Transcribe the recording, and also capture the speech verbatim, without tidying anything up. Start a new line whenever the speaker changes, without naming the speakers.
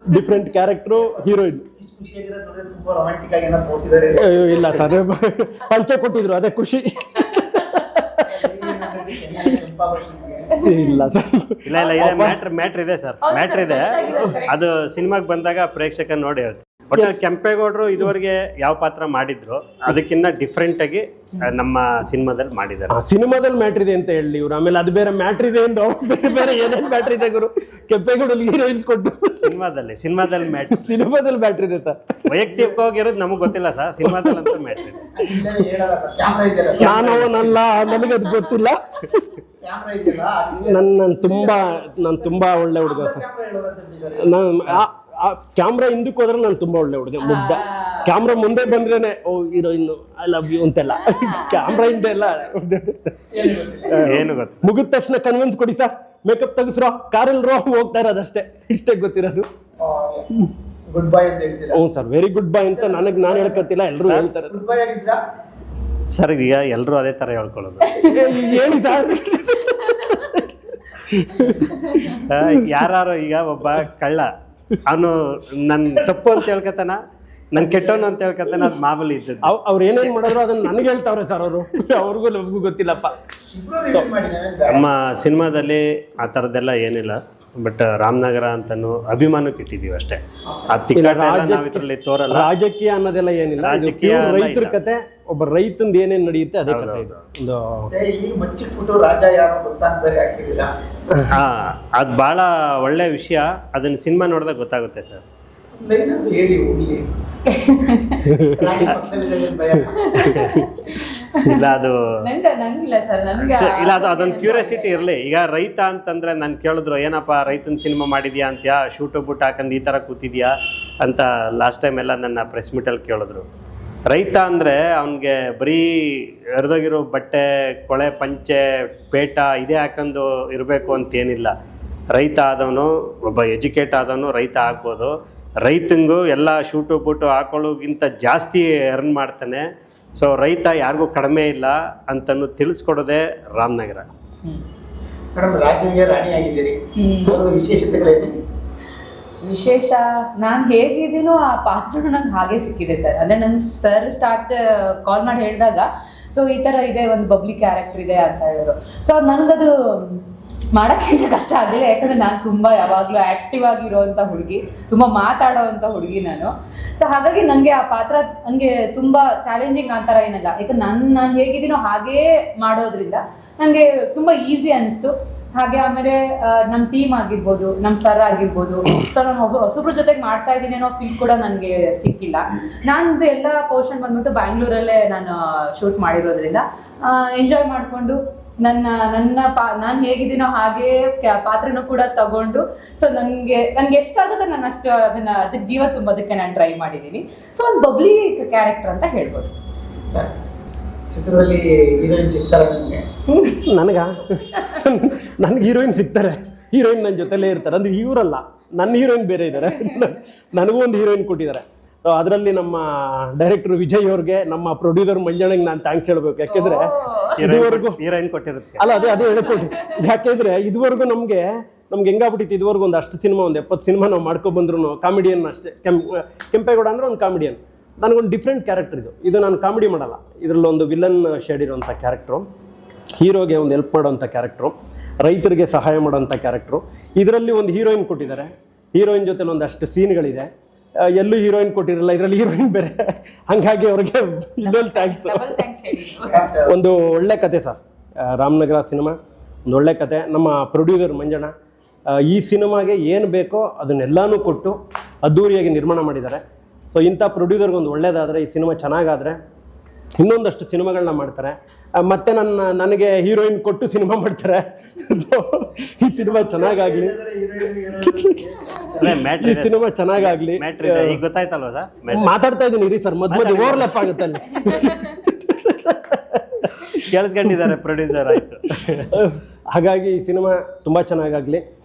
Different character, heroine. ಇಲ್ಲ sir, ಪಂಚೆ ಕೊಟ್ಟಿದ್ರು ಅದೇ ಖುಷಿ. ಇಲ್ಲ ಸರ್,
ಇಲ್ಲ ಇಲ್ಲ ಇದೆ ಮ್ಯಾಟ್ರ್ ಮ್ಯಾಟ್ರ್ ಇದೆ ಸರ್, ಮ್ಯಾಟ್ರ್ ಇದೆ. ಅದು ಸಿನಿಮಾಗೆ ಬಂದಾಗ ಪ್ರೇಕ್ಷಕ ನೋಡಿ ಹೇಳ್ತಾರೆ. ಬಟ್ ಕೆಂಪೇಗೌಡರು ಇದುವರೆಗೆ ಯಾವ ಪಾತ್ರ ಮಾಡಿದ್ರು ಅದಕ್ಕಿಂತ ಡಿಫ್ರೆಂಟ್ ಆಗಿ ನಮ್ಮ ಸಿನಿಮಾದಲ್ಲಿ ಮಾಡಿದ್ದಾರೆ.
ಸಿನಿಮಾದಲ್ಲಿ ಮ್ಯಾಟ್ರ್ ಇದೆ ಅಂತ ಹೇಳಿ ಇವ್ರು, ಆಮೇಲೆ ಅದು ಬೇರೆ ಮ್ಯಾಟ್ರ್ ಇದೆ ಎಂದು ಬೇರೆ ಬೇರೆ ಏನೇನು ಮ್ಯಾಟ್ರ್ ಇದೆ ಗುರು. ಕೆಂಪೇಗೌಡಲ್ಲಿ ಹೀರೋಯಿನ್ ಕೊಟ್ಟು
ಸಿನಿಮಾದಲ್ಲಿ ಸಿನಿಮಾದಲ್ಲಿ ಮ್ಯಾಟ್ರ್
ಸಿನಿಮಾದಲ್ಲಿ ಮ್ಯಾಟ್ರ್ ಇದೆ ಸರ್.
ವೈಯಕ್ತಿಕವಾಗಿರೋದು ನಮಗೆ ಗೊತ್ತಿಲ್ಲ ಸರ್, ಸಿನಿಮಾದಲ್ಲಿ ಅಂತ ಮ್ಯಾಟ್ರ್ ಇದೆ.
ನಾನು ಅವನಲ್ಲ, ನನಗದು ಗೊತ್ತಿಲ್ಲ. ನನ್ ನಾನು ತುಂಬಾ ನಾನು ತುಂಬಾ ಒಳ್ಳೆ ಹುಡುಗ ಸರ್. ನಾನು ಕ್ಯಾಮ್ರಾ ಹಿಂದಕ್ಕೆ ಹೋದ್ರೆ ನಾನು ತುಂಬಾ ಒಳ್ಳೆ ಹುಡುಗ, ಮುಗ್ಧ. ಕ್ಯಾಮ್ರಾ ಮುಂದೆ ಬಂದ್ರೇನೆ oh heroine I love you ಅಂತೆಲ್ಲ, ಕ್ಯಾಮ್ರಾ ಹಿಂದೆ ಎಲ್ಲ
ಏನು ಗೊತ್ತ,
ಮುಗಿದ ತಕ್ಷಣ ಕನ್ವಿನ್ಸ್ ಕೊಡಿ ಸರ್, ಮೇಕಪ್ ತೆಗಿಸ್ರೋ, ಕಾರಲ್ಲಿ ರೋ ಹೋಗ್ತಾ ಇರೋದಷ್ಟೇ, ಇಷ್ಟೇ ಗೊತ್ತಿರೋದು.
ಗುಡ್ ಬೈ ಅಂತ ಹೇಳ್ತೀರಾ?
ಹ್ಞೂ ಸರ್, ವೆರಿ ಗುಡ್ ಬೈ ಅಂತ ನನಗೆ ನಾನು ಹೇಳ್ಕೊತಿಲ್ಲ, ಎಲ್ಲರೂ ಹೇಳ್ತಾರೆ.
ಗುಡ್ ಬೈ ಆಗಿದ್ರಾ
ಸರ್? ಈಗ ಎಲ್ಲರೂ ಅದೇ ತರ ಹೇಳ್ಕೊಳ್ಳೋದು.
ಹೇಳಿ ಸರ್.
ಯಾರು ಈಗ ಒಬ್ಬ ಕಳ್ಳ, ಅವನು ನನ್ ತಪ್ಪು ಅಂತ ಹೇಳ್ಕತಾನ, ನನ್ ಕೆಟ್ಟವನು ಅಂತ ಹೇಳ್ಕತಾನ, ಅದು ಮಾಮೂಲಿ ಇದ್ದದ್ದು.
ಅವ್ರು ಏನೇನ್ ಮಾಡಿದ್ರು ಅದನ್ನ ನನಗೆ ಹೇಳ್ತಾವ್ರೆ ಸರ್ ಅವರು, ಅವ್ರಿಗೂ ನಮಗೂ ಗೊತ್ತಿಲ್ಲಪ್ಪ.
ನಮ್ಮ ಸಿನಿಮಾದಲ್ಲಿ ಆ ಥರದ್ದೆಲ್ಲ ಏನಿಲ್ಲ. ಬಟ್ ರಾಮನಗರ ಅಂತಾನು ಅಭಿಮಾನಕ್ಕೆ ಇಟ್ಟಿದೀವಿ ಅಷ್ಟೇ. ಆ ತಿಕ್ಕಲ್ಲಿ ತೋರಲ್ಲ,
ರಾಜಕೀಯ ಅನ್ನೋದೆಲ್ಲ ಏನಿಲ್ಲ.
ರಾಜಕೀಯ
ರೈತರ ಕತೆ, ಒಬ್ಬ ರೈತಂದು ಏನೇನ್ ನಡೆಯುತ್ತೆ ಅದೇ ಕತೆ.
ಹಾ, ಅದ್ ಬಹಳ ಒಳ್ಳೆ ವಿಷಯ. ಅದನ್ನ ಸಿನಿಮಾ ನೋಡಿದಾಗ ಗೊತ್ತಾಗುತ್ತೆ ಸರ್. ಇಲ್ಲ ಅದು ಇಲ್ಲ, ಅದು ಅದೊಂದು ಕ್ಯೂರಿಯಾಸಿಟಿ ಇರಲಿ. ಈಗ ರೈತ ಅಂತಂದ್ರೆ ನಾನು ಕೇಳಿದ್ರು, ಏನಪ್ಪ ರೈತನ ಸಿನಿಮಾ ಮಾಡಿದ್ಯಾ ಅಂತ್ಯಾ, ಶೂಟು ಬುಟ್ ಹಾಕಂದು ಈ ಥರ ಕೂತಿದ್ಯಾ ಅಂತ ಲಾಸ್ಟ್ ಟೈಮ್ ಎಲ್ಲ ನನ್ನ ಪ್ರೆಸ್ ಮೀಟಲ್ಲಿ ಕೇಳಿದ್ರು. ರೈತ ಅಂದರೆ ಅವನಿಗೆ ಬರೀ ಎರೆದೋಗಿರೋ ಬಟ್ಟೆ, ಕೊಳೆ, ಪಂಚೆ, ಪೇಟ ಇದೇ ಹಾಕೊಂಡು ಇರಬೇಕು ಅಂತೇನಿಲ್ಲ. ರೈತ ಆದವನು, ಒಬ್ಬ ಎಜುಕೇಟ್ ಆದವನು ರೈತ ಆಗ್ಬೋದು. ರೈತಂಗೂ ಎಲ್ಲ ಶೂಟು ಬೂಟು ಹಾಕೊಳ್ಳೋಗಿಂತ ಜಾಸ್ತಿ ಅರ್ನ್ ಮಾಡ್ತಾನೆ. ಸೊ ರೈತ ಯಾರಿಗೂ ಕಡಿಮೆ ಇಲ್ಲ ಅಂತನೂ ತಿಳಿಸ್ಕೊಡೋದೇ ರಾಮನಗರ.
ವಿಶೇಷ ನಾನು ಹೇಗಿದ್ದೀನೋ ಆ ಪಾತ್ರನೂ ನಂಗೆ ಹಾಗೆ ಸಿಕ್ಕಿದೆ ಸರ್. ಅಂದರೆ ನಂಗೆ ಸರ್ ಸ್ಟಾರ್ಟ್ ಕಾಲ್ ಮಾಡಿ ಹೇಳಿದಾಗ, ಸೊ ಈ ಥರ ಇದೆ, ಒಂದು ಬಬ್ಲಿ ಕ್ಯಾರೆಕ್ಟರ್ ಇದೆ ಅಂತ ಹೇಳಿದ್ರು. ಸೊ ನನಗದು ಮಾಡೋಕ್ಕಿಂತ ಕಷ್ಟ ಆಗಲಿಲ್ಲ, ಯಾಕಂದರೆ ನಾನು ತುಂಬ ಯಾವಾಗಲೂ ಆ್ಯಕ್ಟಿವ್ ಆಗಿರೋವಂಥ ಹುಡುಗಿ, ತುಂಬ ಮಾತಾಡೋವಂಥ ಹುಡುಗಿ ನಾನು. ಸೊ ಹಾಗಾಗಿ ನನಗೆ ಆ ಪಾತ್ರ ನನಗೆ ತುಂಬ ಚಾಲೆಂಜಿಂಗ್ ಆ ಥರ ಏನಿಲ್ಲ, ಯಾಕಂದ್ರೆ ನಾನು ನಾನು ಹೇಗಿದ್ದೀನೋ ಹಾಗೇ ಮಾಡೋದ್ರಿಂದ ನನಗೆ ತುಂಬ ಈಸಿ ಅನ್ನಿಸ್ತು. ಹಾಗೆ ಆಮೇಲೆ ನಮ್ಮ ಟೀಮ್ ಆಗಿರ್ಬೋದು, ನಮ್ಮ ಸರ್ ಆಗಿರ್ಬೋದು, ಸೊ ನಾನು ಒಬ್ಬ ಹೊಸಬ್ರ ಜೊತೆಗೆ ಮಾಡ್ತಾ ಇದ್ದೀನಿ ಅನ್ನೋ ಫೀಲ್ ಕೂಡ ನನಗೆ ಸಿಕ್ಕಿಲ್ಲ. ನಂದು ಎಲ್ಲ ಪೋರ್ಷನ್ ಬಂದ್ಬಿಟ್ಟು ಬ್ಯಾಂಗ್ಳೂರಲ್ಲೇ ನಾನು ಶೂಟ್ ಮಾಡಿರೋದ್ರಿಂದ ಎಂಜಾಯ್ ಮಾಡಿಕೊಂಡು ನನ್ನ ನನ್ನ ಪಾ ನಾನು ಹೇಗಿದ್ದೀನೋ ಹಾಗೇ ಪಾತ್ರನೂ ಕೂಡ ತಗೊಂಡು, ಸೊ ನನಗೆ ನನಗೆ ಎಷ್ಟಾಗುತ್ತೆ ನಾನು ಅಷ್ಟು ಅದನ್ನು ಅದಕ್ಕೆ ಜೀವ ತುಂಬೋದಕ್ಕೆ ನಾನು ಟ್ರೈ ಮಾಡಿದ್ದೀನಿ. ಸೊ ಒಂದು ಬಬ್ಲಿ ಕ್ಯಾರೆಕ್ಟರ್ ಅಂತ ಹೇಳ್ಬೋದು
ಸರ್. ಚಿತ್ರದಲ್ಲಿ ಹೀರೋಯಿನ್ ಸಿಗ್ತಾರೆ ನಿಮಗೆ?
ನನಗ ನನಗೆ ಹೀರೋಯಿನ್ ಸಿಗ್ತಾರೆ, ಹೀರೋಯಿನ್ ನನ್ನ ಜೊತೆಲೇ ಇರ್ತಾರೆ. ಅಂದರೆ ಇವರಲ್ಲ, ನನ್ನ ಹೀರೋಯಿನ್ ಬೇರೆ ಇದ್ದಾರೆ, ನನಗೂ ಒಂದು ಹೀರೋಯಿನ್ ಕೊಟ್ಟಿದ್ದಾರೆ. ಸೊ ಅದರಲ್ಲಿ ನಮ್ಮ ಡೈರೆಕ್ಟರ್ ವಿಜಯ್ ಅವ್ರಿಗೆ, ನಮ್ಮ ಪ್ರೊಡ್ಯೂಸರ್ ಮಂಜಣ್ಣಗೆ ನಾನು ಥ್ಯಾಂಕ್ಸ್ ಹೇಳ್ಬೇಕು. ಯಾಕೆಂದ್ರೆ ಇದುವರೆಗೂ
ಹೀರೋಯಿನ್ ಕೊಟ್ಟಿರುತ್ತೆ
ಅಲ್ಲ, ಅದೇ ಅದೇ ಹೇಳ್ಕೊಡಿ. ಯಾಕೆಂದ್ರೆ ಇದುವರೆಗೂ ನಮಗೆ ನಮ್ಗೆ ಹೆಂಗಾಗ್ಬಿಟ್ಟಿತ್ತು, ಇದುವರೆಗೂ ಒಂದು ಅಷ್ಟು ಸಿನಿಮಾ, ಒಂದು ಎಪ್ಪತ್ತು ಸಿನಿಮಾ ನಾವು ಮಾಡ್ಕೊಬಂದ್ರು ಕಾಮಿಡಿಯನ್ ಅಷ್ಟೇ. ಕೆಂ ಕೆಂಪೇಗೌಡ ಅಂದ್ರೆ ಒಂದು ಕಾಮಿಡಿಯನ್, ನನಗೊಂದು ಡಿಫ್ರೆಂಟ್ ಕ್ಯಾರೆಕ್ಟರ್ ಇದು. ಇದು ನಾನು ಕಾಮಿಡಿ ಮಾಡಲ್ಲ, ಇದರಲ್ಲಿ ಒಂದು ವಿಲನ್ ಶೇಡ್ ಇರೋಂಥ ಕ್ಯಾರೆಕ್ಟ್ರು, ಹೀರೋಗೆ ಒಂದು ಹೆಲ್ಪ್ ಮಾಡೋವಂಥ ಕ್ಯಾರೆಕ್ಟ್ರು, ರೈತರಿಗೆ ಸಹಾಯ ಮಾಡೋವಂಥ ಕ್ಯಾರೆಕ್ಟ್ರು. ಇದರಲ್ಲಿ ಒಂದು ಹೀರೋಯಿನ್ ಕೊಟ್ಟಿದ್ದಾರೆ, ಹೀರೋಯಿನ್ ಜೊತೆಲಿ ಒಂದಷ್ಟು ಸೀನ್ಗಳಿದೆ. ಎಲ್ಲೂ ಹೀರೋಯಿನ್ ಕೊಟ್ಟಿರಲ್ಲ, ಇದರಲ್ಲಿ ಹೀರೋಯಿನ್ ಬೇರೆ. ಹಂಗಾಗಿ ಅವ್ರಿಗೆ ಇನ್ನೊಂದು ಥ್ಯಾಂಕ್ಸ್. ಒಂದು ಒಳ್ಳೆ ಕತೆ ಸರ್, ರಾಮನಗರ ಸಿನಿಮಾ ಒಂದು ಒಳ್ಳೆ ಕತೆ. ನಮ್ಮ ಪ್ರೊಡ್ಯೂಸರ್ ಮಂಜಣ್ಣ ಈ ಸಿನಿಮಾಗೆ ಏನು ಬೇಕೋ ಅದನ್ನೆಲ್ಲನೂ ಕೊಟ್ಟು ಅದ್ದೂರಿಯಾಗಿ ನಿರ್ಮಾಣ ಮಾಡಿದ್ದಾರೆ. ಸೊ ಇಂಥ ಪ್ರೊಡ್ಯೂಸರ್ಗೆ ಒಂದು ಒಳ್ಳೇದಾದರೆ, ಈ ಸಿನಿಮಾ ಚೆನ್ನಾಗಾದರೆ ಇನ್ನೊಂದಷ್ಟು ಸಿನಿಮಾಗಳನ್ನ ಮಾಡ್ತಾರೆ. ಮತ್ತೆ ನನ್ನ ನನಗೆ ಹೀರೋಯಿನ್ ಕೊಟ್ಟು ಸಿನಿಮಾ ಮಾಡ್ತಾರೆ. ಈ ಸಿನಿಮಾ ಚೆನ್ನಾಗಾಗ್ಲಿ, ಈ ಸಿನಿಮಾ ಚೆನ್ನಾಗಾಗ್ಲಿ.
ಗೊತ್ತಾಯ್ತಲ್ವ ಸರ್?
ಮಾತಾಡ್ತಾ ಇದ್ದೀನಿ ಇರಿ ಸರ್, ಮಧ್ಯ ಮಧ್ಯ ಓವರ್ಲ್ಯಾಪ್ ಆಗುತ್ತೆ ಅಲ್ಲಿ.
ಕೇಳಿಸ್ಕೊಂಡಿದ್ದಾರೆ ಪ್ರೊಡ್ಯೂಸರ್. ಆಯ್ತು,
ಹಾಗಾಗಿ ಈ ಸಿನಿಮಾ ತುಂಬ ಚೆನ್ನಾಗಾಗಲಿ.